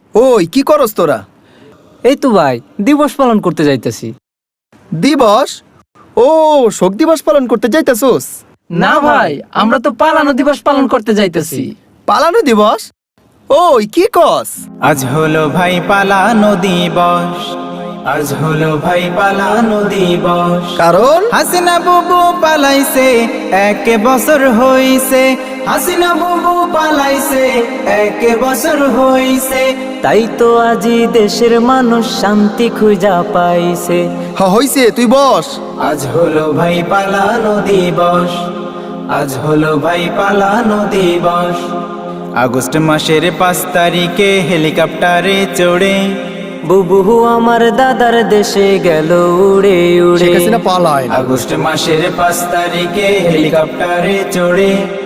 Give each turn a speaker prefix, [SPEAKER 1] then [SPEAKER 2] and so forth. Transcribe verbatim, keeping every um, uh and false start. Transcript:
[SPEAKER 1] ওই কি করস তোরা?
[SPEAKER 2] এই তো ভাই দিবস পালন করতে যাইতেছি।
[SPEAKER 1] দিবস? ও, শোক দিবস পালন করতে যাইতাছোস?
[SPEAKER 2] না ভাই, আমরা তো পালানো দিবস পালন করতে যাইতেছি।
[SPEAKER 1] পালানো দিবস? ওই কি কস?
[SPEAKER 3] আজ হলো ভাই পালানো দিবস, আজ হলো ভাই পালানো দিবস।
[SPEAKER 1] কারণ
[SPEAKER 3] হাসিনা বুবু পালাইছে, এক বছর হইছে। হাসিনা বুবু পালাইছে, এক বছর হইছে।
[SPEAKER 2] তাই তো আজি দেশের মানুষ শান্তি খুঁজা পাইছে।
[SPEAKER 1] হ হইছে, তুই বস।
[SPEAKER 3] আজ হলো ভাই পালানো দিবস, আজ হলো ভাই পালানো দিবস। আগস্ট মাসের পাঁচ তারিখে হেলিকপ্টারে চড়ে
[SPEAKER 2] বুবু আমার দাদার দেশে গেল উড়ে উড়ে।
[SPEAKER 1] শেখ হাসিনা পালায় না।
[SPEAKER 3] আগস্ট মাসের পাঁচ তারিখে হেলিকপ্টারে চড়ে